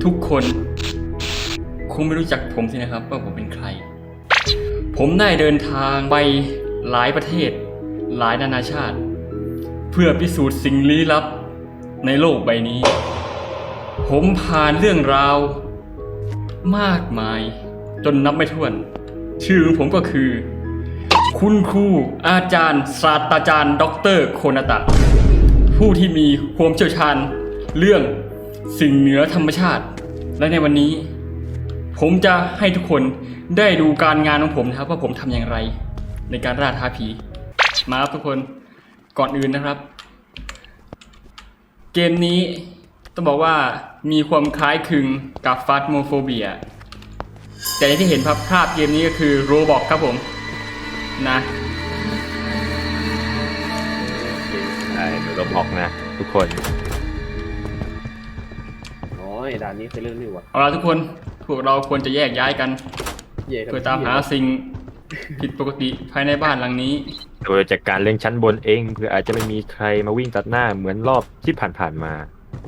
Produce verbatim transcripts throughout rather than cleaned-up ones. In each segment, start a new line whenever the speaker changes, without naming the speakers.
ทุกคนคงไม่รู้จักผมสินะครับว่าผมเป็นใครผมได้เดินทางไปหลายประเทศหลายนานาชาติเพื่อพิสูจน์สิ่งลี้ลับในโลกใบนี้ผมผ่านเรื่องราวมากมายจนนับไม่ถ้วนชื่อของผมก็คือคุณครูอาจารย์ศาสตราจารย์ด็อกเตอร์โคนาตะผู้ที่มีความเชี่ยวชาญเรื่องสิ่งเหนือธรรมชาติและในวันนี้ผมจะให้ทุกคนได้ดูการงานของผมนะครับว่าผมทำอย่างไรในการล่าท้าผีมาครับทุกคนก่อนอื่นนะครับเกมนี้ต้องบอกว่ามีความคล้ายคลึงกับ Phasmophobia แต่ที่เห็นภาพภาพเกมนี้ก็คือ Roblox ครับผมนะ
ใช่โรบล็อกนะทุกคน
โอ้ยด่านนี้เป็นเรื่องนี้วะ
เอาล่ะทุกคนพวกเราควรจะแยกย้ายกันเพื่อตามหาสิ่งผิดปกติภายในบ้านหลังนี้
โดยจากการเล่นชั้นบนเองเพื่ออาจจะไม่มีใครมาวิ่งตัดหน้าเหมือนรอบที่ผ่านๆมา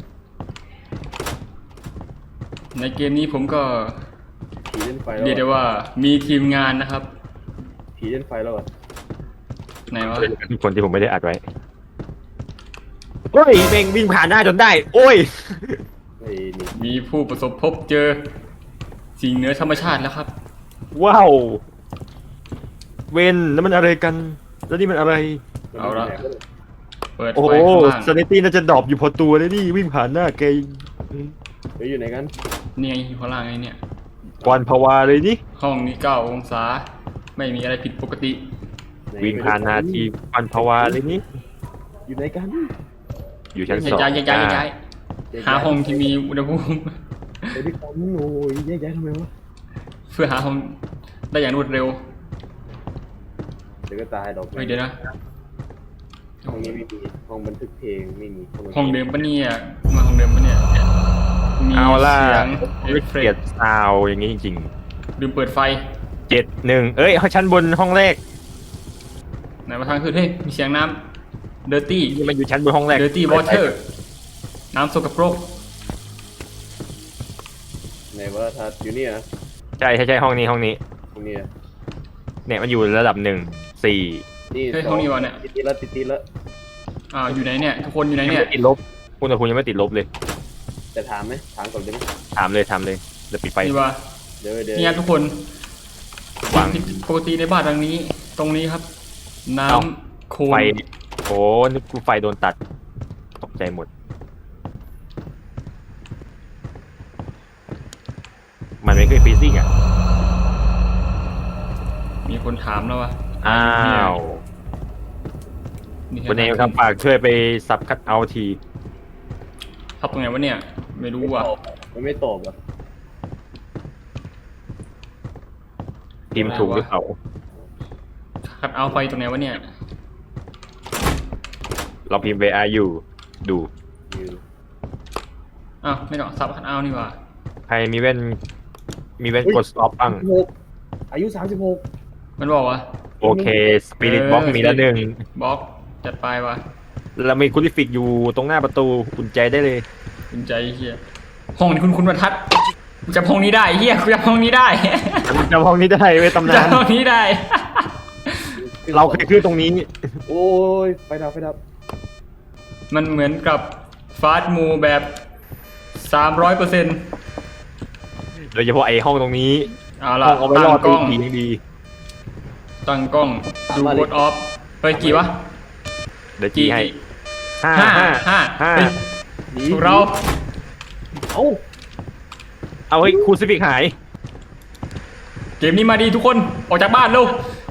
ในเกมนี้ผมก็
ผีเล่นไฟแล้ว
เรียกได้ว่ามีทีมงานนะครับ
ผีเล่นไฟแล้วอะ
ไหนวะ
ทุกคนที่ผมไม่ได้อัดไว้โอ้ยเม่งวิ่งผ่านหน้าจนได้โอ้ย
มีผู้ประสบพบเจอสิ่งเหนือธรรมชาติแล้วครับ
ว้าวเวนแล้วมันอะไรกันแล้วนี่มันอะไร
เอาละเปิด
โอ้
ไฟข้างล่าง
ซานิตี้น่าจะดรอปอยู่พอตัวเลยนี่วิ่งผ่านหน้าแก
ไปอยู่ไหนกัน
นี่ไงอยู่ข้างล่างไงเนี่ย
กวนภาวะเลยนี่
ห้องนี้เก้าองศาไม่มีอะไรผิดปกติ
วิ่งผ่านนาทีกวนภาวะเลยนี่
อยู่ไหนกัน
อยู่ชั้นสอง
ย้ายย้ายย้ายย้ายหาห้องที่มีอุณหภูมิ
ไปดิคอมโอ้ยย้ายย้ายทำไมวะ
เพื่อหาห้องได้อย่างรวดเร็ว
เดี๋ยวก็ตายดอก
เฮ้ยเดี๋ยวนะ
ห้องนี้ไม่มีห้องบันทึกเพลงไม่มี
ห้องเดิมปะเนี่ยมาห้องเดิมปะเนี่ยมีเสียงเอฟเฟกต์
ซาวอย่างนี้จริง
ๆลืมเปิดไฟ
เจ็ดหนึ่งเอ้ยชั้นบนห้องแรก
ไหนมาทางคือเฮ้ยมีเสียงน้ำเดอร์ตี้
นี่มันอยู่ชั้นบนห้องแรก
เดอร์ตี้วอเตอร์น้ำสกปรก
ไหนว่าทัดอยู่นี่นะ
ใช่ใช่ใช่ห้องนี้ห้องนี้
ห้องนี้
เนี่ยมันอยู่ระดับหนึ่งสี่
นี่
ห้องนี้วะเนี่ย
ติดแล้วติดติดแล้ว
อ่าอยู่ไหนเนี่ยทุกคนอยู่ไหนเนี่ย
ติดลบอุณหภูมิยังไม่ติดลบเลย
จะถามไหมถามก่อนได้ไหม
ถามเลยถามเลยจะปิดไฟ
นี่วะ
เดี๋ยวเดี๋ยว
นี่ทุกคนวางปกติในบ้านหลังนี้ตรงนี้ครับน้ำโคลน
ไฟโอ้นึกกูไฟโดนตัดตกใจหมดมันไม่เคยฟรีซิ่งอ่ะ
มีคนถามแล้ววะ
อ้าวคนเองครับฝากช่วยไปสับคัดเอาที
ทับตรงไหนวะเนี่ยไม่รู้ว่ะ
มันไม่ตอบอ่ะ
พิมพ์ถูกหรือเปล่า
คัดเอาไฟตรงไหนวะเนี่ย
เราพิมพ์ where are you ดู
อ้าวไม่ต้องสับคัดเอานี่ว่ะ
ใครมีเว้นมีเว้นกด stop บ้าง
อายุสามสิบหก
มันบอกว่า
โอเคสปิริตบล็อกมีแล้วหนึ่ง
บล็อกจัดไปว่ะ
เรามีคูลิฟิกอยู่ตรงหน้าประตูอุ่นใจได้เลย
อุ่นใจเฮียห้องนี้คุณคุณบรรทัดจำห้องนี้ได้เฮียจำห้องนี้ได้
จำห้องนี้ได้เว้ยตำนาน
จำห้องนี้ได้
เราเคยขึ้นตรงนี้
โอ้ยไฟดับไฟดับ
มันเหมือนกับฟาสต์มูแบบสามร้อยเปอร์เซ็นต์
โดยเฉพาะไอ้ห้องตรงนี้
เอาล่ะ
ตั้งกล้องดี
ตั้งกล้องดูโคดออฟเฮ้ยกี่วะ
เดี๋ยวจีให้
ห้าห้าห้าห้าถูกเรา
เอา
เอาให้คูซิฟิกหาย
เกมนี้มาดีทุกคนออกจากบ้านเร็ว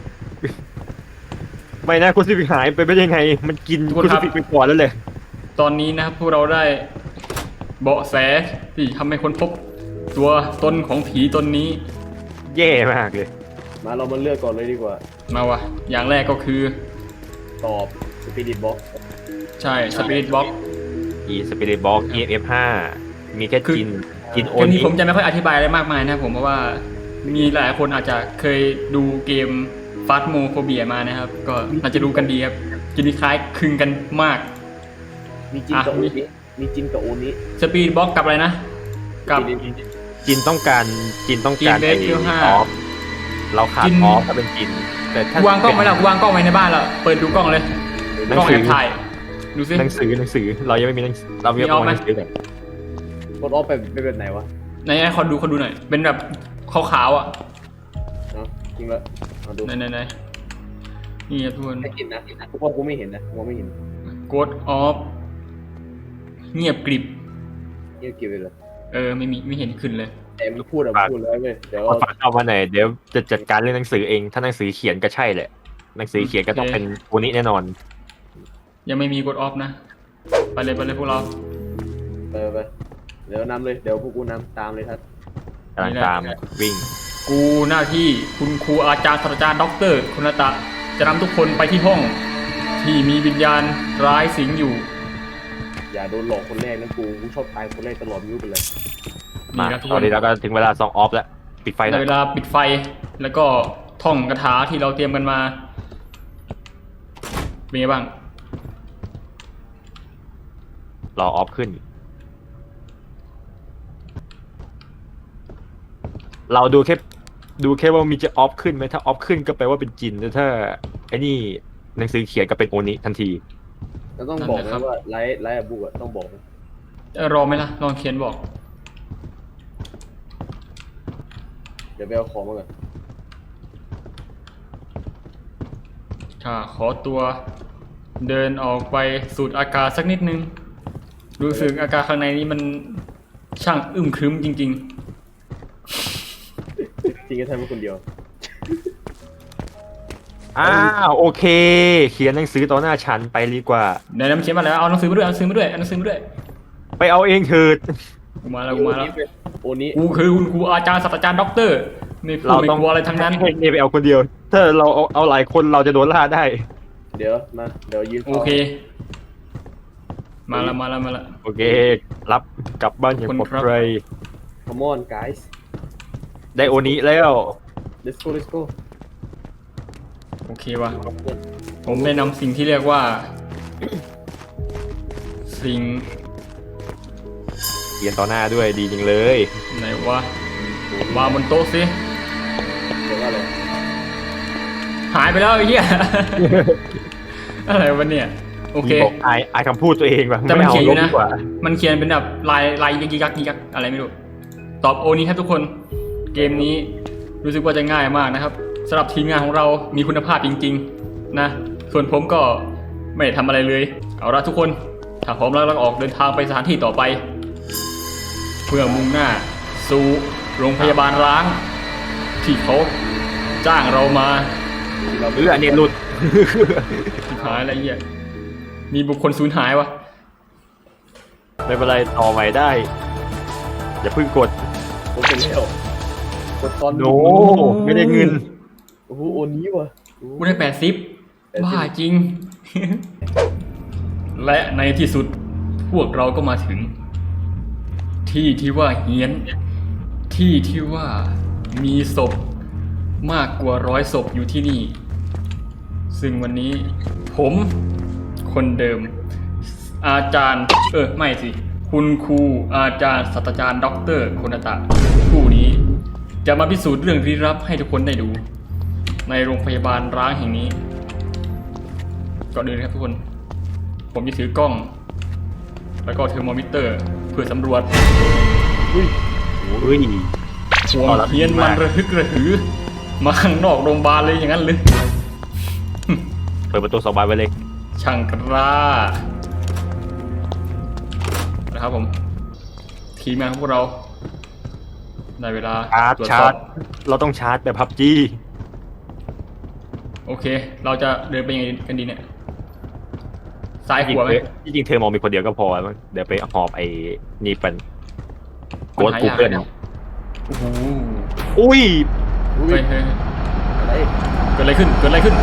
ไม่นะคูซิฟิกหายไปเป็นยังไงมันกินคูซิฟิกไปก่อนแล้วเลย
ตอนนี้นะครับพวกเราได้เบาะแสที่ทำให้คนพบตัวตนของผีตนนี้
แย่มากเลย
มาเรามาเลือกก่อนเลยดีกว่าม
าวะอย่างแรกก็คือ
ตอบสปิริตบ็อก
ใช่สปิริตบ็อก
อีสปิริตบ็อก อี เอ็ม เอฟ ห้ามีแค่กินกินโอ
นี้ผมจะไม่ค่อยอธิบายอะไรมากมายนะผมเพราะว่ามีหลายคนอาจจะเคยดูเกมฟาสโมโฟเบียมานะครับก็น่าจะรู้กันดีครับกินคล้ายคลึงกันมาก
มีจินกับโอนี้มีจินกับโอนี้
สปิริตบ็อกกับอะไรนะกับ
จินต้องการจินต้องการ
จีนเบสคิวห้า
ออฟเราขาด
จิน
ออฟถ้าเป็นจินแต่ถ้า
กูวางกล้องไว้แล้วกูวางกล้องไว้ในบ้านแล้วเปิดดูกล้องเลย
หนั
ก
ง
ล้อง
สื
แอ
อบ
ถ่ายดูซิ
หนังสือหนังสือเรายังไม่มีหนังเรายัง
มีออฟไหม
หนังสือเลย
กดออฟไปเป็นแบบไหนวะ
ไหนไหนขอดูขอดูหน่อยเป็นแบบขาวๆอ่ะ
เนาะจริงละมาดู
ไหนไหนไหนนี่ครับทุกคน
ไม่เห็นนะทุกคนกูไม่เห็นนะกูไม่เห็น
กดออฟเงียบกริบ
นี่เก็บไปเลย
เออไม่มีไม่เห็นขึ้นเลย
แต่มึงพูดอะพูดเลยเว้ยเดี๋ยว
เอาฝากเอามาหน่อยเดี๋ยวจะจัดการเรื่องหนังสือเองถ้าหนังสือเขียนก็ใช่แหละหนังสือเขียนก็ต้องเป็นโอนี้แน่นอน
ยังไม่มีกดออฟนะไปเลยไปเลยพวกเรา
ไปไปเดี๋ยวนำเลยเดี๋ยวพวกกูนำตามเลยครับ
กำลังตามวิ่ง
กูหน้าที่คุณครูอาจารย์ศาสตราจารย์ด็อกเตอร์คุณตะจะนำทุกคนไปที่ห้อง ที่มีวิญญาณร้ายสิงอยู่
อย่าโดนหลอกคนแรกนะกูกูชอบตายคนแรกตลอดมิ้วไปเลย
มา
นี่ครับทุก
ต
ค
อน
น
นี้เราก็ถึงเวลาซองออฟแล้วปิดไฟ
ใน
แล้ว
เวลาปิดไฟแล้วก็ท่องคาถาที่เราเตรียมกันมาเป็นไงบ้าง
รอออฟขึ้น เราดูแค่ดูแค่ว่ามีจะออฟขึ้นไหมถ้าออฟขึ้นก็แปลว่าเป็นจินแต่ถ้าไอ้นี่หนังสือเขียนก็เป็นโอนี้ทันที
แล้วต้องบอกนะว่าไลฟ์ไลฟ์อะบุกอะต้องบอกนะ
เอ่อรอไหมล่ะลองเขียนบอก
เดี๋ยวไปเอาของมาก่อน
ค่ะขอตัวเดินออกไปสูดอากาศสักนิดนึงรู้สึกอากาศข้างในนี้มันช่างอึมครึ้มจริง
จริงก็ทำเป็นคนเดียว
อ้าวโอเค เขียนหนังสือต่อหน้าฉันไปดีกว่า
ๆเดี๋ยวน้ำเขียนมาแล้วเอาหนังสือมาด้วยเอาหนังสือมาด้วยเอาหนังสือมาด้วย
ไปเอาเองเถิด
กูมาแล้วกูมาแล้ว
โอนี้
กูคือคุณครูอาจารย์ศาสตราจารย์ด็อกเตอร์ไม่พูด
เรา
ไม่
ต้อง
กลัวอะไรทั้งนั้น
ให้เนไปเอาคนเดียว ถ้าเราเอาเอาหลายคนเราจะโดนล่าได้
เดี๋ยวมาเดี๋ยวยืน
โอเค มาแล้วมาแล้วมาแล้ว
โอเค รับกลับบ้านอย่างปลอดภัย
คอมมอน guys
ได้โอนี้แล้ว
let's go let's go
โอเคว่ะผมได้นำสิ่งที่เรียกว่า สิ่ง
เขียนต่อหน้าด้วยดีจริงเลย
ไหนวะวางบนโต๊ะสิ
เดี๋ยวว่าอะไร
หายไปแล้วไอ้เหี้ย อะไรวะเนี่ยโอเค
มีบอกอายอายคำพูดตัวเองว่ะ
แต่มัน
ไา
เขียนอยู่
ลบ
นะ
ดีกว่า
มันเขียนเป็นแบบลายลายยิกยักยิกยักอะไรไม่รู้ ตอบโอนี้ครับทุกคน เกมนี้รู้สึกว่าจะง่ายมากนะครับสำหรับทีมงานของเรามีคุณภาพจริงๆนะ ส่วนผมก็ไม่ได้ทำอะไรเลย เอาละทุกคน ถ้าพร้อมแล้วเราออกเดินทางไปสถานที่ต่อไป เพื่อมุ่งหน้า สู่โรงพยาบาลร้าง ที่เขาจ้างเรามา
เรา
เอออันนี้หลุด
สุดท้ายอะไรเงี้ยมีบุคคลสูญหายวะ
ไม่เป็นไรต่อใหม่ได้ อย่าเพิ่งกด
ผมเป็นแล้วกดตอน
โนไม่ได้เงิน
โอ้โหโอนี้ว่ะ
กูได้แปดสิบบ้าจริง และในที่สุดพวกเราก็มาถึง ที่ที่ว่าเฮี้ยน ที่ที่ว่ามีศพมากกว่าร้อยศพอยู่ที่นี่ ซึ่งวันนี้ผมคนเดิม อาจารย์ เออไม่สิ คุณครูอาจารย์ศาสตราจารย์ด็อกเตอร์โคนาตะผู้นี้จะมาพิสูจน์เรื่องลี้ลับให้ทุกคนได้ดู ในโรงพยาบาลร้างแห่งนี้ก่อนอื่นครับทุกคน ผมจะถือกล้อง แล้วก็เทอร์โมมิเตอร์เพื่อสำรวจ
อุ้ย
อุ้ย
ห่วงเฮียนมันระฮึกระหือ มาข้างนอกโรงพยาบาลเลยอย่างนั้นเลย
เปิดประตูสองบานไปเลย
ช่างกล้านะครับผม ทีมงานของพวกเราได้เวลา
ชาร์จ
ตรวจ
ชา
สอ
ร์
บ
จเราต้องชาร์จแบบพับจี
โอเค เราจะเดินไปยังไงกันดีเนี่ย ซ้าย
จริง
ขวาไหม
ๆจริงๆเธอมองมีคนเดียวก็พอมั้งเดี๋ยวไปหอบไอ้นี่เป็นโกด
มันหา
กู
ยาก
เกิล
นะโอ้โห
อุ้ย
อุ้
เฮ้
ย
ยเฮ้ย
อะไร
เกิดอะไรขึ้น เกิดอะไรขึ้น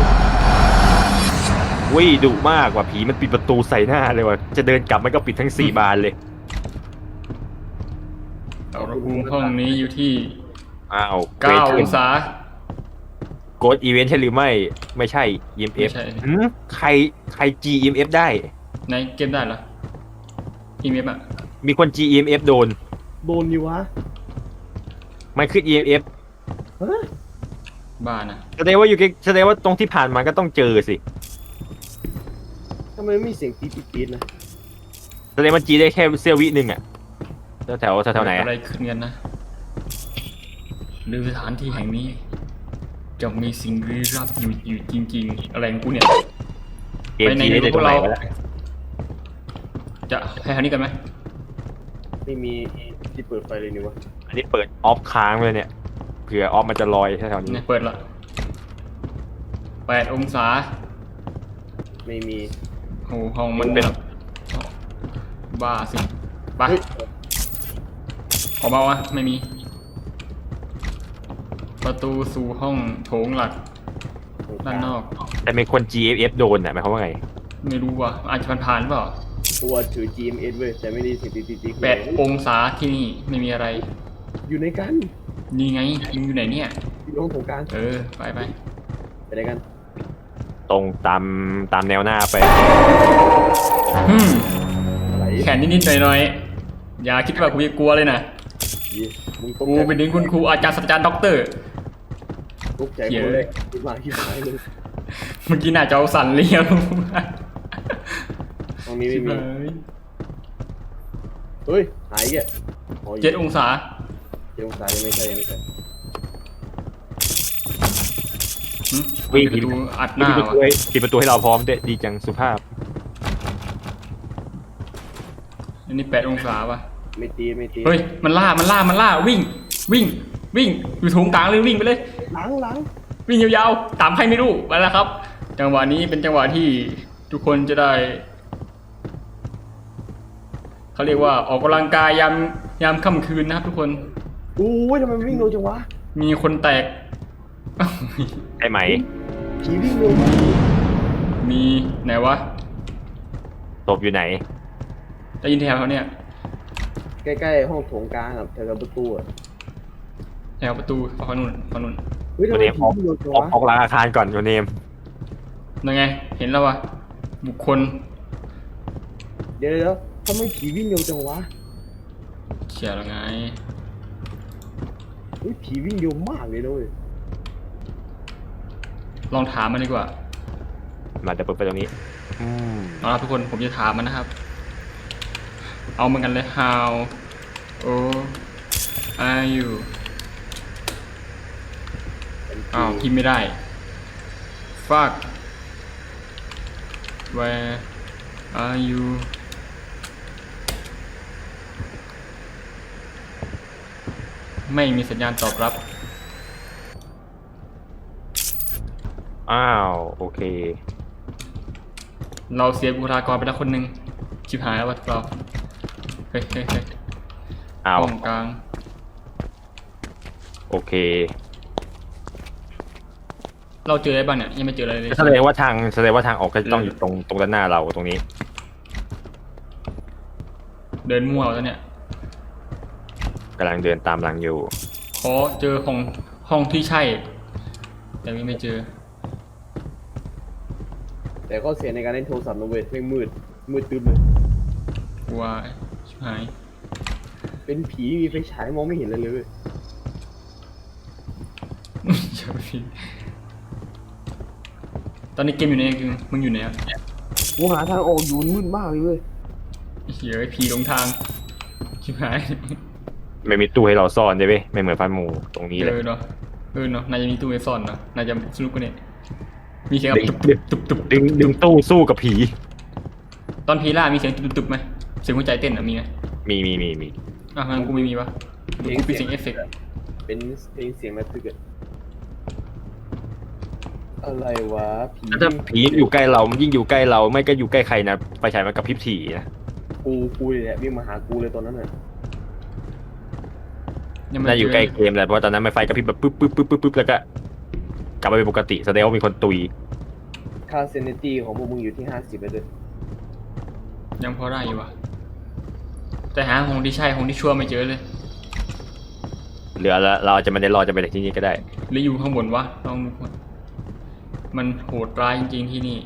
อุ้ยดุมากว่ะผีมันปิดประตูใส่หน้าเลยว่ะจะเดินกลับมันก็ปิดทั้งสี่บานเลย
อุณหภูมิห้องนี้อยู่ที่
อ้าว
เก้าองศา
โกดอีเวนต์ใช่หรือไม่ไม่ใช่ อี เอ็ม เอฟ
ไม่ใช่
หืมใครใคร จี อี เอ็ม เอฟ ได้
ในเกมได้เหรอ อีเมฟอ่ะ
มีคน จี อี เอ็ม เอฟ โดน
โดนดิวะ
มันขึ้น อี เอ็ม เอฟ
ฮะ
บ้านะ
แสดงว่าอยู่ใกล้แสดงว่าตรงที่ผ่านมาก็ต้องเจอสิ
ทำไมไม่มีเสียงปี๊ดปี๊ดปี๊ดนะ
แสดงมันจีได้แค่เสี้ยววิหนึ่งอ่ะแถวแถวแถวไหน
เกิด
อะ
อะไรขึ้นกันนะหรือสถานที่แห่งนี้จะมีสิ่งลี้ลับอยู่อยู่จริง ๆ อะไรของกูเนี่ย
เกมจีได้ตรงไหนวะ
จะให้ทางนี้กันไหม
ไม่มีที่เปิดไฟเลยนี่วะ
อันนี้เปิดออฟค้างเลยเนี่ยเผื่อออฟมันจะลอยแถวๆนี้
เนี่ยเปิดละแปดองศา
ไม่มี
โอ้ห้องมันเป็นบ้าสิไป
เฮ้ย
ออกมาวะไม่มี ประตูสู่ห้องโถงหลักด้านนอก
แต่เป็นคน จี เอฟ เอฟ โดนอ่ะหมายความว่าไง
ไม่รู้ว่ะอาจจะผ่านๆหรือเปล่า
ตัวถือ จี เอ็ม เอส เว้ยแต่ไม่ได้เสียงปี๊ดปี๊ดปี๊ด
แปดองศาที่นี่ไม่มีอะไร
อยู่ในกัน
นี่ไงมึงอยู่ไหนเนี่ย
อยู่ตรงโถงกลาง
เออ ไปไป
ไปไหนกัน
ตรงตามตามแนวหน้าไป
ฮึม
อะไร
แขนนิดๆหน่อยๆอย่าคิดว่ากูจะกลัวเลยนะ
ยี่มึงตก
กู
ใจ
เป็นถึงคุณครูอาจารย์ศาสตราจารย์ด็อกเตอร์
ตกใจกูเลยคิดมาคิดหายเลย
เมื่อกี้น่าจะเอาสั่นเลี้ยว
ตรงนี้ไม่
ชิบ
มี
หาย
เฮ้ยหายแกอ๋อ
เจ็ดองศา
เจ็ดองศายังไม่ใช่ยังไม่ใช่
หึ
วิ่ง
ปิดประตูอัดห
ปิด
น้า
ประตู
วะ
ให้ปิดประตูให้เราพร้อมด้วยดีจังสุภาพ
อันนี้แปดองศาป่ะ
ไม่ตีไม่ตี
เฮ้ย มันล่า มันล่า มันล่า วิ่ง วิ่ง วิ่ง อยู่ถุงกลางเลยวิ่งไปเลย
หลังหลัง
วิ่งยาวๆ ตามใครไม่รู้ไปแล้วครับ จังหวะนี้เป็นจังหวะที่ทุกคนจะได้ เขาเรียกว่าออกกำลังกายยามยามค่ำคืนนะครับทุกคน
โอ้ยทำไมมันวิ่งเร็วจังวะ
มีคนแตก
ได้ไหม
ผีวิ่งเร็วมาก
มีไหนวะ
ศพอยู่ไหน
ได้ยินแถวเขาเนี่ย
ใกล้ๆห้องโถงกลางอ่ะแถวๆประตูอ่ะ
แถวประตูฝั่งนู้นฝั่งนู้น
เฮ้ยทำ
วัน
ไม
นี้
ผี
ออก
วิ่งเร็วจัง
ออก
วะ
ออกหลังอาคารก่อนวันเนม
ยังไง เห็นแล้ววะบุคคล
เดี๋ยวเดี๋ยวทำไมผีวิ่งเร็วจังวะ
เขียแล้วไง
เฮ้ยผีวิ่งเร็วมากเลยนะเว้ย
ลองถามมันดีกว่า
มาจะเปิดไปตรงนี้ อืม
เอาละทุกคนผมจะถามมันนะครับ เอาเหมือนกันเลย how old are you อ้าวพิมพ์ไม่ได้ fuck where are you ไม่มีสัญญาณตอบรับ
อ้าวโอเค
เราเสียบุคลากรไปแล้วคนหนึ่งชิบหายแล้ววะเราเฮ้ยเฮ้ยเฮ้ย
อ้าว
ห้องกลาง
โอเค
เราเจออะไรบ้างเนี่ย ยังไม่เจออะไรเลย
แสดงว่าทางแสดงว่าทางออกก็จะต้องอยู่ตรงตรงด้านหน้าเราตรงนี้
เดินมั่วแล้วเนี่ย
กำลังเดินตามหลังอยู่
ขอเจอห้องห้องที่ใช่ แต่ยังไม่เจอ
แต่ก็เสียในการเล่นโทรศัพท์นะเว้ยแม่งมืดมืดตึ๊บเลย
กลัวชิบหาย
เป็นผีมีไฟฉายมองไม่เห็นเลยเลยเว้ย
อย่าไปพิมพ์ตอนนี้เกมอยู่ไหนคือมึงอยู่ไหนอ่ะ
กูหาทางออกอยู่มืดมากเลยเว้ย
เหี้ยไอ้ผีหลงทางชิบหาย
ไม่มีตู้ให้เราซ่อนใช่ไหมไม่เหมือนฟันหมูตรงนี้เล
เอย อเนาะเออเนาะนายจะมีตู้ไอซ่อนเนาะนายจะสนุกกว่านี้มีเสียงแบบตุบตุบตุบตุบ
ดึงดึงตู้สู้กับผี
ตอนผีล่ามีเสียงตุบตุบไหมเสียงหัวใจเต้นอ่ะมีไหม
มีมีมีมี
อ่ะมันกูไม่มีปะกูปิดเสียงเอฟเฟกต์
เป็นเพลงเสียงระทึกอะอะไรวะผี
ถ้าผีอยู่ใกล้เรามันยิ่งอยู่ใกล้เราไม่ก็อยู่ใกล้ใครนะไฟฉายมันกระพริบถี่นะ
กูกูเลยแหละวิ่งมาหากูเลยตอนนั้นน่ะ
ยังไม่
น่าอยู่
เจ
ใกล้เกมแหละเพราะตอนนั้นมันไฟกระพริบแบบปึ๊บปึ๊บปึ๊บปึ๊บปึ๊บแล้วก็กลับมาเป็นปกติแสดงว่ามีคนตุย
ค่าเซนิตี้ของพวกมึงอยู่ที่ห้าสิบเลยเด้อ
ยังพอได้อยู่วะแต่หาห้องที่ใช่ห้องที่ชั่วไม่เจอเลย
เหลือแล้วเราอาจจะไม่ได้รอดจะไปจากที่นี่ก็ได้
หรืออยู่ข้างบนวะลองดูก่อนมันโหดร้ายจริงๆที่นี่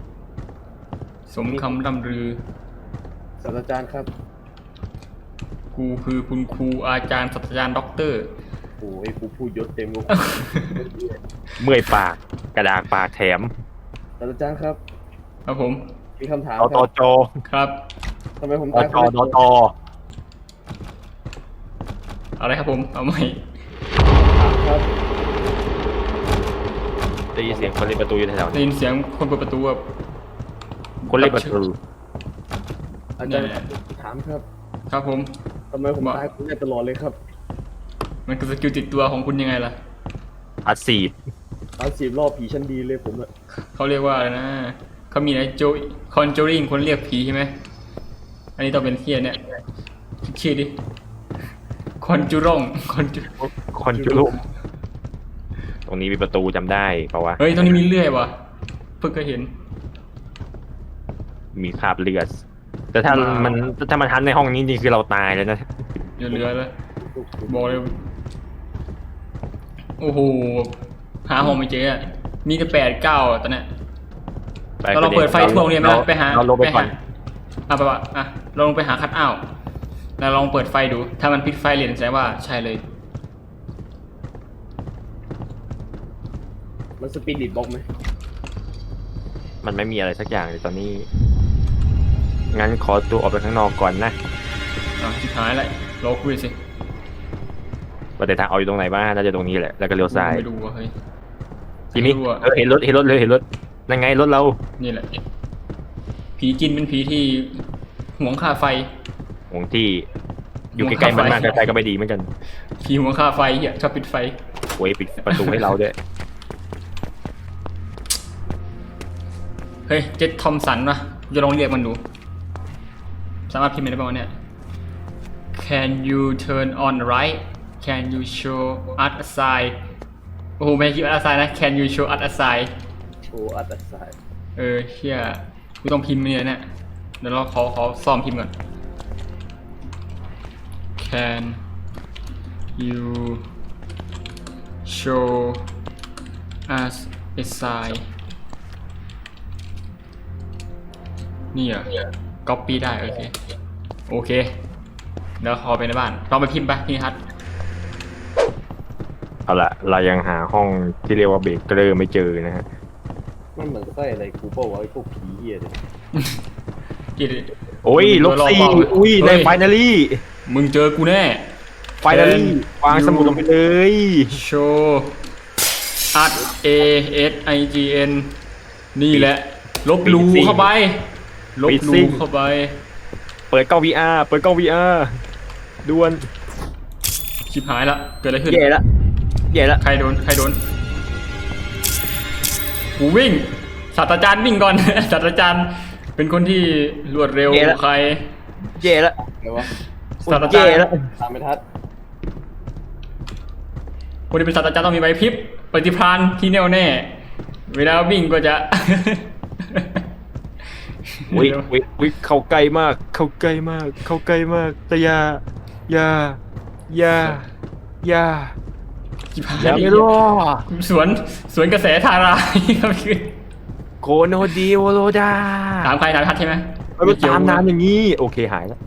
สมคำร่ำลือ
ศาสตราจารย์ครับ
กูกูคือคุณครูอาจารย์ศาสตราจารย์ด็อกเตอร์
โอ้ยกูพูดยศเต็มกู
เมื่อยปากกระดากปากแถม
อาจารย์ครับ
ครับผม
มีคำถาม
ต
ค
ต
รับ
จ
ครับ
ทำไมผม
ต
ตาย
จดต
อะไรครับผมเอาใหม่
ครับ
ได้ยินเสียงคนเล่นประตูอยู่แถว
ได้ยินเสียงคนเปิดประตูแบบ
ๆคนเล่นประตู
อาจารย์ครับถามครับ
ครับผม
ทำไมผมตายคุณได้ตลอดเลยครับ
มันคือสกิลติดตัวของคุณยังไงล่ะ
อัดสีด
ตายสิบรอบผีชั้นดีเลยผมอะ
เขาเรียกว่าอะไรนะเขามีอะไรโจคอนจูริงคนเรียกผีใช่ไหมอันนี้ต้องเป็นเทียเนี่ยคิดชื่อดิคอนจูร่งคอนจู
คอนจุลุตรงนี้มีประตูจำได้เปล่าวะ
เฮ้ยตรงนี้มีเลื่อยว่ะเพิ่งเคยเห็น
มีคราบเลือดแต่ถ้า
ว้าว
มันถ้ามันทันในห้องนี้นี่คือเราตายแล้วนะ
อย่าเหลือเลยบอกเลยโอ้โหหาห้องไม่เจออะมีแต่แปดเก้าตอนเนี้ย เราลองเปิดไฟทั่วโรงเรียนไหมล่ะไปหา
เราลงไปก่อน
อ่ะไปวะอ่ะเราลองไปหาคัทเอาท์แล้วลองเปิดไฟดู ถ้ามันปิดไฟเรียนแสดงว่าใช่เลย
มันสปิริตบล็อกไหม
มันไม่มีอะไรสักอย่างเลยตอนนี้ งั้นขอตัวออกไปข้างนอกก่อนนะ
อ่ะชิบหายแล้วรอคุยสิ
ว่าแต่ทางเอาอยู่ตรงไหนบ้างน่าจะตรงนี้แหละ แล้วก็เลี้ยวซ้าย
ไม่ดูว่ะเฮ้ย
ทีนี้
ไม่รู้อะ
เออเห็นรถเห็นรถเลยเห็นรถนั่นไงรถเรา
นี่แหละ ผีจินเป็นผีที่หวงค่าไฟ
หวงที่อยู่ใกล้ๆมันมาก
หวงค่าไฟ
ใกล้ๆก็ไม่ดีเหมือนกัน
ผีหวงค่าไฟเหี้ยชอบปิดไฟ
โอ้ยปิดประตูให้เราด้วย
เฮ้ยเจดทอมสันวะจะลองเรียกมันดู สามารถพิมพ์ได้ป่าวะเนี่ย Can you turn on right Can you show us a sign โอ้โหไม่ให้คิดว่า a sign นะ Can you show us a sign
โอ้อัตสาย
เออเชี่ยกูต้องพิมพ์เนี่ยเนี่ยเดี๋ยวเราขอขอซ้อมพิมพ์ก่อน Can you show us a sign นี่เหรอ copy ได้โอเคโอเคเดี๋ยวขอไปในบ้านลองไปพิมพ์ไปนี่ฮัท
เอาละเรายังหาห้องที่เรียกว่าเบเกอร์ไม่เจอนะฮะ
มันเหมือนไส้อะไรกูเปล่าวะไอ้พวกผีเหี้ยเนี่ย
กิน
โอ้ยลบสี่อุ้ยในไฟนาลี่
มึงเจอกูแน่
ไฟนาลี่วางสมุดลงไปเลย
show us a s i g n นี่แหละ ลบหลูเข้าไป ลบหลูเข้าไป
เปิดกล้อง วี อาร์ เปิดกล้อง วี อาร์ ด่วน
ชิบหายละ เกิดอะไรขึ้น
แย่ละแย่ละ
ใครโดน ใครโดน กูวิ่ง ศาสตราจารย์วิ่งก่อน ศาสตราจารย์เป็นคนที่รวดเร็วกว่าใคร
แย่ละ
ไงวะ
ศาสตราจาร
แย่
ย์
ละ
ตามไม่ทัด
คนที่เป็นศาสตราจารย์ต้องมีใบพริบปฏิภาณที่แน่วแน่ เวลาวิ่งก็จะ
วิวิวิเข้าใกล้มาก เข้าใกล้มาก เข้าใกล้มาก แต่อยาอยาอยาอยา
ชิบหาย
อย่าไม่รอ
สวนสวนกระแสทาราย ครับคือ
โคโนดีโวโรดา
ถามใครถามทัดใช่ไหม
มันไปตามน้ำอย่างนี้ โอเคหายแล้ว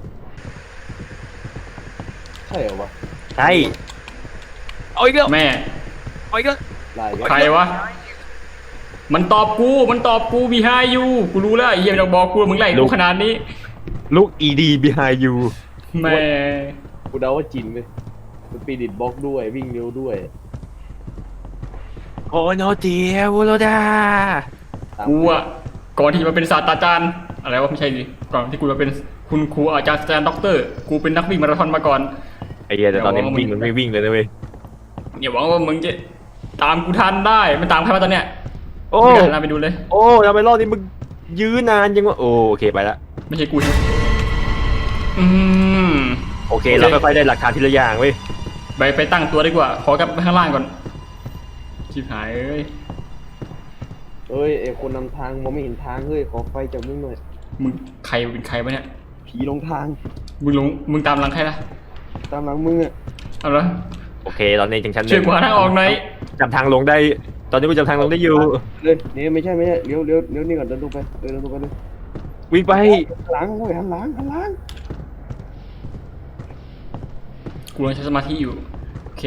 ใช่เหรอวะ
ใช่เอาอีกแล้ว
แม่
เอาอีกแล้ว
ลายเงี้ย
ใครวะ มันตอบกู มันตอบกูบีไฮยูกูรู้แล้วไอ้เหี้ยไม่ต้องบอกกูมึงไล่กูขนาดนี้
ลูก อี ดี behind you
แม่
กูเดาว่าจินเลยสปิริตบล็อกด้วยวิ่งเร็วด้วย
โคโนดีโวโรดา
ตาม
กูอะก่อนที่จะมาเป็นศาสตราจารย์อะไรวะไม่ใช่ดิก่อนที่กูจะเป็นคุณครูอาจารย์อาจารย์ด็อกเตอร์ กูเป็นนักวิ่งมาราธอนมาก่อน
ไอ้เหี้ยแต่ตอนนี้มันวิ่งมันไม่วิ่งเลยนะเว้ย
อย่าหวังว่ามึงจะตามกูทันได้ มันตามใครมาตอนเนี้ย
โอ้
ไม่ได้หันหน้าไปดูเลย
โอ้ทำไมรอบนี้มึงยื้อนานยังวะโอโอเคไปละ
ไม่ใช่กูใช่ไหมอืม
โอเค
โอเค
เราค่อยๆได้หลักฐานทีละอย่างเว้ย
ไปไปตั้งตัวดีกว่า ขอกลับไปข้างล่างก่อนชิบหายเอ้ย
เอ้ยไอคนนำทางมองไม่เห็นทางเฮ้ยขอไฟจากมึงหน่อย
มึงใครเป็นใครวะเนี่ย
ผีลงทาง
มึงหลงมึงตามหลังใครล่ะ
ตามหลังมึงอะ
เอาละ
โอเคตอนนี้จังชั้นห
ช่วย
นึ่ง
กูหาทางออกหน่อย
จำทางลงได้ ตอนนี้กูจำทางลงได้อยู่
เลยนี่ไม่ใช่ไม่ใช่เลี้ยวเลี้ยวเลี้ยวนี่ก่อนเดินลงไปเดินลงไปเลย
วิ่งไป
หันหลังโอ้ยหันหลังหันหลัง
กูยังใช้สมาธิอยู่โอเค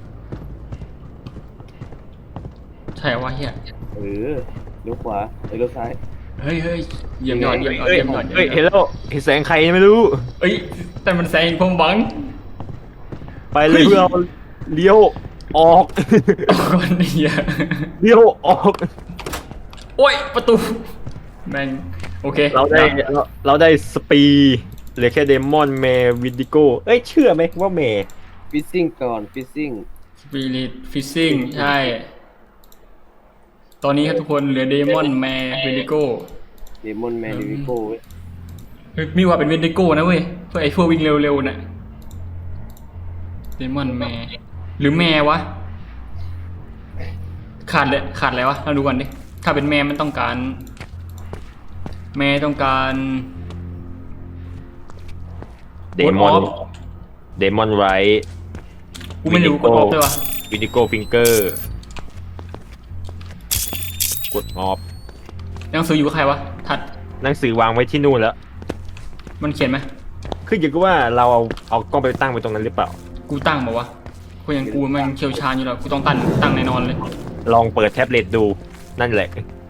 ใช่วะเฮีย
เออเลี้ยวขวาเอ้ยเลี้ยวซ้าย
เฮ้ยเฮ้ยเยี่ยมยอดเยี่ยมยอด
เฮ้ย
เยี่ยมยอด
เฮ้ย
เยี่
เห็
ย
น
มยอด
แล้วเห็นแสงใครไม่รู้
เอ้ยแต่มันแซงผมหวัง
ไปเลยเพื่อเราเลี้ยวออก
ก่อนเฮีย
เลี้ยวออก
โอ้ยประตูแม่งโอเค
เราได้เราเราได้สปีเหลือแค่เดมอนแมร์วิดิโกเอ้ยเชื่อไหมว่าแมร์
ฟิซซิ่งก่อนฟิซซิ่ง
สปิริตฟิซซิ่งใช่ ตอนนี้ครับทุกคนเหลือเดมอนแมร์เวนิโก้
เดมอนแมนดิวิโก้เว้ย
มีว่าเป็นเวนิโก้นะเว้ยเพื่อไอ้พวกวิ่งเร็วๆน่ะเดมอนแมร์หรือแมร์วะขาดเลยขาดอะไรวะเราดูก่อนดิถ้าเป็นแมร์มันต้องการ แมร์ต้องการ
เดมอน
Word of
เดมอนไรท์
กูไม่รู้กดออฟเลยวะ
วิดิโกฟิงเกอร์กดออฟ
หนังสืออยู่กับใครวะทัด
หนังสือวางไว้ที่นู่นแล้ว
มันเขียนไหม
คืออย่างว่าเราเอาเอากล้องไปตั้งไว้ตรงนั้นหรือเปล่า
กูตั้งบอกว่ากูยังกูมันเชี่ยวชาญอยู่แล้วกูต้องตั้งตั้งแน่นอนเลย
ลองเปิดแท็บเล็ตดูนั่นแหละ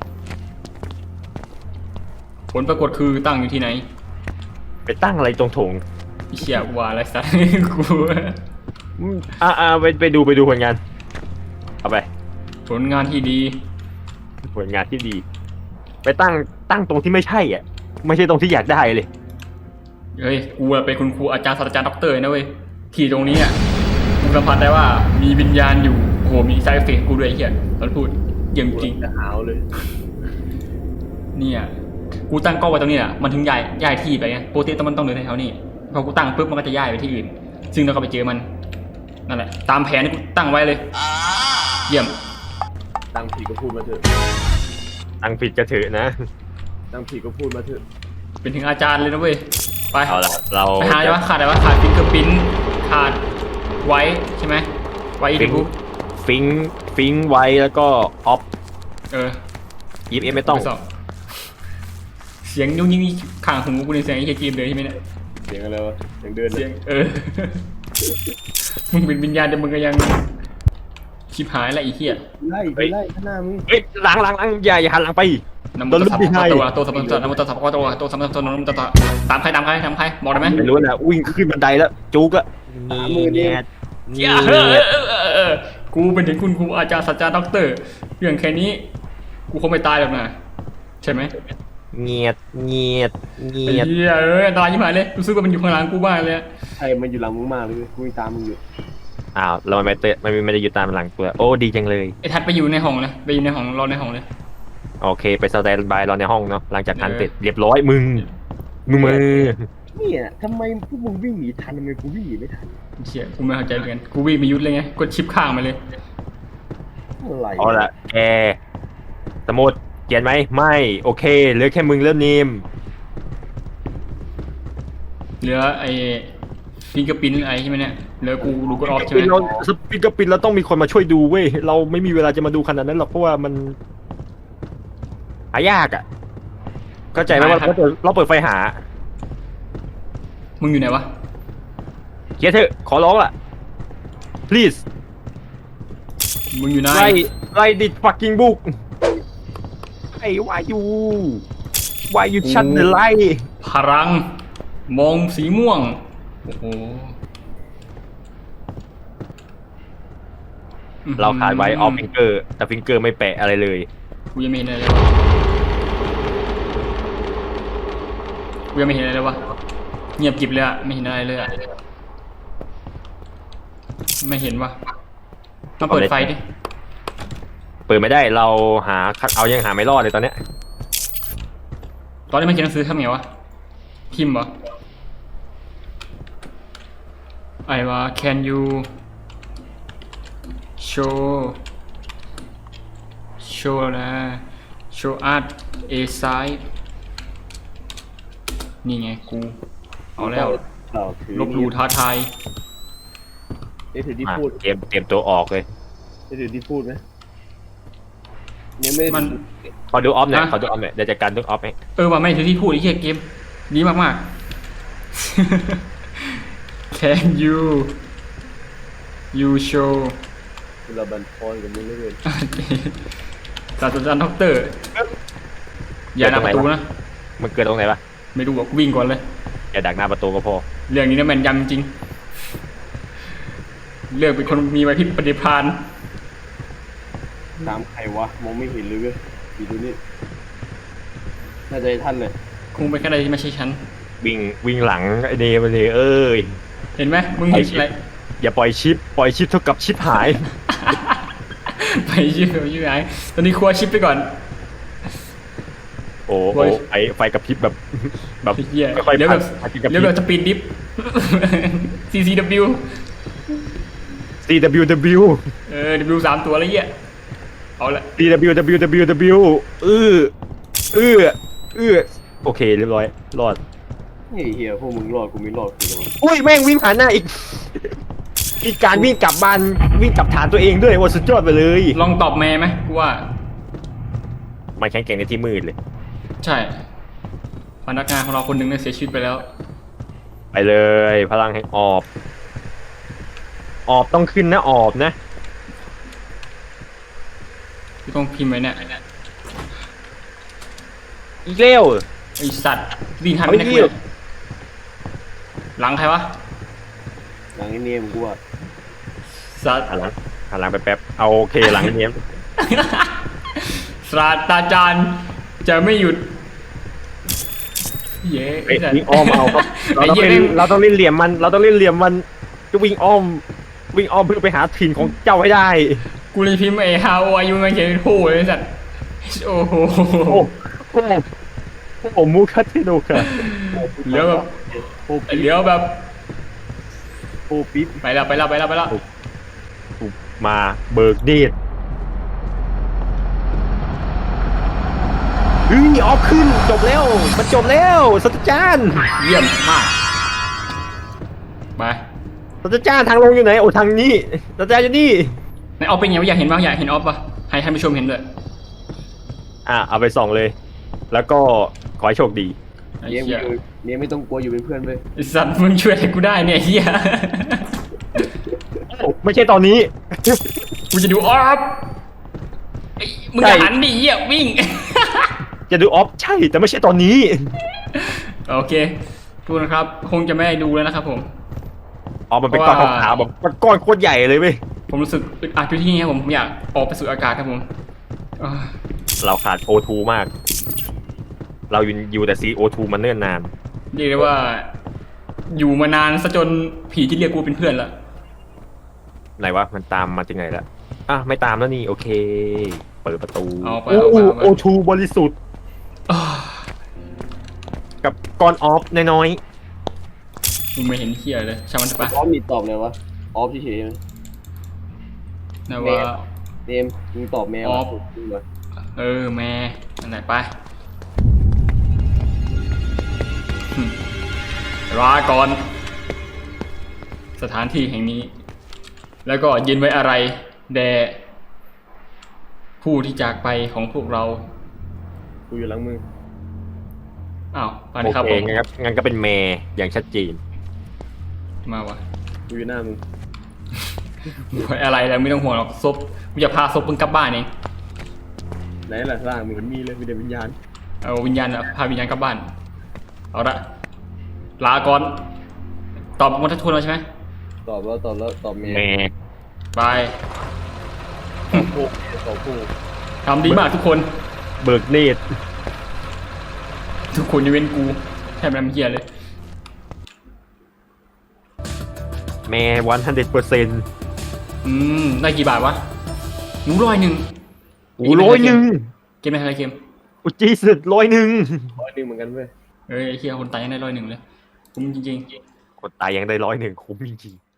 ผลปรากฏคือตั้งอยู่ที่ไหน
ไปตั้งอะไรตรงโถง
ไอ้เชี่ยว่าอะไรสัก กู
อืมอ่าอ่าไปไปดูไปดูผลงานเอาไป
ผลงานที่ดี
ผลงานที่ดี ไปตั้งตั้งตรงที่ไม่ใช่อ่ะ ไม่ใช่ตรงที่อยากได้เลย
เฮ้ย กูอะเป็นคุณครูอาจารย์ศาสตราจารย์ด็อกเตอร์นะเว้ย ที่ตรงนี้อ่ะ กูสัมผัสได้ว่ามีวิญญาณอยู่ โอ้โห มีไซเอฟเฟกต์กูด้วยไอ้เหี้ยตอนพูดเยี่ยมจริง
จะหาวเลย
เนี่ย กูตั้งกล้องไว้ตรงนี้อ่ะ มันถึงย้ายย้ายที่ไปไงปกติต้องมันต้องเดินแถวๆนี้พอกูตั้งปุ๊บมันก็จะย้ายไปที่อื่น ซึ่งเราก็ไปเจอมัน นั่นแหละ ตามแผนที่กูตั้งไว้เลย เยี่ยม
ตั้งผีก็พูดมาเถอะ
ตั้งผิดกระเถอะนะ
ตั้งผีก็พูดมาเถอะ
เป็นถึงอาจารย์เลยนะเว้ย ไป
เอาละเรา
ไปหาอะไรวะขาดอะไรวะขาดฟิงเกอร์ปิ้นขาดไว้ใช่ไหมไว้อี
ฟิ
ก
ง
กู
ฟิงฟิงไว้แล้วก็ออฟ
เออ
อีฟเอไม่ต้อง
ไปสบเสียงยุ่งยิ่งข้างหูกูในเสียงไอ้เกมเลยใช่ไหมเนี่ย
เสียงอะไรวะเสียงเดิน
เสียงเออ มึงเป็นวิญญาณแต่มึงก็ยังชิบหายละไอ้เหี้ย
ไล่ไปไล่ข้างหน้ามึง
เฮ้ยหลังหลังหลังอย่าอย่าหันหลังไป
นำมุตสัพพะตัวตัวสัพพะตัวนำมุตสัพพะตัวตัวสัพพะตัวนำมุตสัพพะตามใครตามใครตามใครบอกได้ไหม
ไม่รู้นะวิ่งขึ้นบันไดแล้วจุกอะนี่แงด
เหี้ยเออเออเออเออกูเป็นถึงคุณครูอาจารย์ศาสตราจารย์ด็อกเตอร์เรื่องแค่นี้ กูคงไม่ตายหรอกนะใช่ไหม
เงียดเงียดเงี
ไอ้
ยด
เหี้ยเอ้ยอันตรายยิ่งหายเลยรู้สึกว่ามันอยู่ข้างหลังกูบ้างเลย
ใครมันอยู่หลังมึงมากเลยกูยังตามมึงอยู่
อ้าวเราไม่เตะมันไม่ได้อยู่ตามหลังตัวโอ้ดีจังเลย
ไอ้ทัดไปอยู่ในห้องเลยไปอยู่ในห้องรอในห้องเลย
โอเคไปสแตนบายเราในห้องเนาะหลังจากทัน
เออ
เสร็จเรียบร้อยมึงมึงมือ
เนี่ยทำไมพวกมึงวิ่งหนีทันทำไมกูวิ่งหนีไม่ทัน
เชี่ยกูไม่เข้าใจเหมือนกันกูวิ่งไปยุดเลยไงกดชิปข้างมาเลย
อะไร
เอาละแกสมุดเขียนไหมไม่โอเคเหลือแค่มึงเริ่มนิม
เหลือไอ้ฟิงเกอร์ปิ้นไอ้ใช่ไหมเนี่ยเหลือกูดูกดออฟใช่ไหม
เราสปินกับปินเราต้องมีคนมาช่วยดูเว้ยเราไม่มีเวลาจะมาดูขนาดนั้นหรอกเพราะว่ามันหายากอ่ะเข้าใจไหมว่าเราเปิดเราเปิดไฟหา
มึงอยู่ไหนวะ
เขียนเถอะขอร้องล่ะ please
มึงอยู่ไหน
write write this fucking book ไอ้ why you why you shut the light
พลังมองสีม่วงโอ้โห
เราขาดไว้ออฟฟิงเกอร์แต่ฟิงเกอร์ไม่แปะอะไรเลย
กูยังไม่เห็นอะไรเลยวะกูยังไม่เห็นอะไรเลยวะเงียบกริบเลยอะไม่เห็นอะไรเลยอะไม่เห็นวะมาเปิดไฟดิ
เปิดไม่ได้เราหาเอายังหาไม่รอดเลยตอนเนี้ย
ตอนนี้มันเขียนหนังสือทำไงวะพิมพ์เหรอไอ้ว่า can you show show นะ show art a side นี่ไงกูเอาแล้ว
เราถือ
ลบหลู่ท้าทาย
ได้ถือที่
อ่ะ
พูด
เตรียมเตรียมตัวออกเลย
ได้ถือที่พูดไหมยังไม่ได้
มัน
ขอดูออฟหน่อย
นะ
ขอดูออฟหน่อยเดี๋ยวจัดการทุกออฟให้
เออว่าไม่ถือที่พูดไอ้เหี้ยเกมดีมากๆ Can you ยูโช
เราบันทอนกันมึงเลย
ศาสตราจารย์ด็อกเตอร์อย่าหน้าประตูนะ
มันเกิดตรงไหนปะ
ไม่รู้บอกวิ่งก่อนเลย
อย่าดักหน้าประตูก็พอ
เรื่องนี้นะแม่นยำจริงเลือกเป็นคนมีไหวพริบปฏิภาณ
ตามใครวะมองไม่เห็นเลยเว้ยดูดูนี่น่าจะให้ท่านเลย
คงเป็นแค่ใดที่ไม่ใช่ฉัน
วิ่งวิ่งหลังไอเนมันเลยเอ้ย
เห็นไหมมึงเห็นอะไร
อย่าปล่อยชิปปล่อยชิปเท่ากับชิปหาย
ไปชิปไปชิปไหนตอนนี้ครัวชิปไปก่อน
โอ้โหไอไฟกับพริบแบบแบบ
เหี้ย
ค่อยๆ
เดี๋ยวแบบ
พัดกับ
เดี๋ยวแบบสปีดดิฟ ซี ซี ดับเบิลยู
ซี ดับเบิลยู ดับเบิลยู
เออ W สามตัวแล้วเหี้ยเอาละ
ซี ดับเบิลยู ดับเบิลยู ดับเบิลยู ดับเบิลยูเออเออเออโอเคเรียบร้อยรอด
เฮ้ยเฮียพวกมึงรอดกูไม่รอดกูจะมา
อุ้ยแม่งวิ่งผ่านหน้าอีกอีกการวิ่งกลับบ้านวิ่งกลับฐานตัวเองด้วยว่าสุดยอดไปเลย
ลองตอบแม่ไหมกูว่า
มันแข็งแกร่งในที่มืดเลย
ใช่พนักงานของเราคนหนึ่งเนี่ยเสียชีวิตไปแล้ว
ไปเลยพลังแห่งออบออบต้องขึ้นนะออบนะ
กูต้องพิมพ์ไว้เนี่ย
อีกเร็ว
ไอสัตว์ดินทัน
เอา
ไม่ได้
อีก
คุยหลังใครวะ
หลังไอ้เนมกูอ่ะ
สัตว์
หันหลังหันหลังไปแป๊บเอาโอเคหลังเนี้ย
ศาสตราจารย์จะไม่หยุดเย้
เอ้ย
สัตว์
วิ่งอ้อมเอาครับเรา
ไอ้
ต้อง
เหี้ย
เล่น
แม่ง
เราต้องเล่นเหลี่ยมมัน เราต้องเล่นเหลี่ยมมันจะวิ่งอ้อม วิ่งอ้อมเพื่อไปหาถิ่นของเจ้าให้ได้
กูเลยพิมพ์ไอ้ how are you มันเขียนเป็นผู้เลยไอ้สัตว์โอ้โห
โอ้โหโอ้โหมูคัตเทโนค่ะ
เหลือแบบ
โอ้ปิ๊บ
เหลือแบบ
โอ้ปิ๊บ
ไปแล้วไปแล้วไปแล้วไปแล้ว
มาเบิกเดชเฮ้ยออฟขึ้นจบแล้วมันจบแล้วสัตว์จานทร์
เยี่ยมมากไป
สัตว์จานทร์ทางลงอยู่ไหนโอ้ทางนี้สัตว์จานทร์อยู่นี่
ในออฟเป็นไงวะอยากเห็นบ้างอยากเห็นออฟปะให้ท่านผู้ชมเห็นด้วย
อ่ะเอาไปส่องเลย แล้วก็ขอให้โชคดี
ไอ้
เนม
เหี้ย
อยู่เนมไม่ต้องกลัวอยู่เป็นเพื่อนเว้ย
ไอ้สัตว์มึงช่วยอะไรกูได้เนี่ยไอ้เฮีย
ไม่ใช่ตอนนี้
กูจะดูออฟไอ้มึงอย่าหันดิเฮียวิ่ง
จะดูออฟใช่แต่ไม่ใช่ตอนนี้
โอเคทุกคนครับคงจะไม่ได้ดูแล้วนะครับผม
อ๋อมันเป็นก้อน
เพราะว่า
ขาวๆแบบก้อนโคตรใหญ่เลยเว้ย
ผมรู้สึกอึดอัดอยู่ที่นี่ครับผมผมอยากออกไปสู่อากาศครับผมอ่า
เราขาด โอ ทู มาก เราอยู่อยู่แต่ ซี โอ ทู มันเนิ่นนาน
เรียกได้ว่า อยู่มานานซะจนผีที่เรียกกูเป็นเพื่อนละ
ไหนวะ มันตามมาจากไหนละอ่ะ ไม่ตามแล้วนี่ โอเค เปิดประตู
เอาไป
โอ้
เอาไปเอาไป
โอ ทู บริสุทธิ์
อ่า
กับก้อนออฟน้อย
มึงไม่เห็นเฮียเลยช่างมันเถอะปะ
ออฟมีตอบเลยวะออฟเฉยๆนะ
นะว่า
เนมมึงตอบแมว
ออฟ
จริงเหรอ
เออแม่อันไหนไปหึลาก่อน สถานที่แห่งนี้ แล้วก็ยินไว้อะไรแด่ผู้ที่จากไปของพวกเรา
กูอยู่หลังมึง
อ้าวไป
ๆ
เลยครับ
โอเค
ผม
งั้นครับงั้นก็เป็นแม่อย่างชัดเจน
มาวะ
กูอยู่หน้ามึง
ไว้อะไรแล้วไม่ต้องห่วงหรอกศพกูจะพาศพมึงกลับบ้านเอง
ไหนล่ะร่างมึงมันมีเลยมีแต่วิญญาณ
เอาวิญญาณอะพาวิญญาณกลับบ้าน เอาละลาก่อน ตอบมาทักทวนแล้วใช่ไหม
ตอบแล้วตอบแล้วตอบแมว
แม่
ไป
ตอบผู้ตอบผู้
ทำดีมากทุกคน
เบิกเนตร
ทุกคนยกเว้นกูแทบไม่ทำเฮียเลย
แม่วันฮันเด็ดเปอร์เซ็นต์
อืม ได้กี่บาทวะหนูร้อยหนึ่ง
โอ้ร้อยหนึ่ง
เกมไหนอะไรเกม
อุจีสุดร้อยหนึ่ง
ร้อยหนึ่งเหมือนกันเว้ย
เอ้ยไอ้เฮียคนตายยังได้ร้อยหนึ่งเลยคุ้มจริง
คนตายยังได้ร้อยหนึ่งคุ้มจริงๆ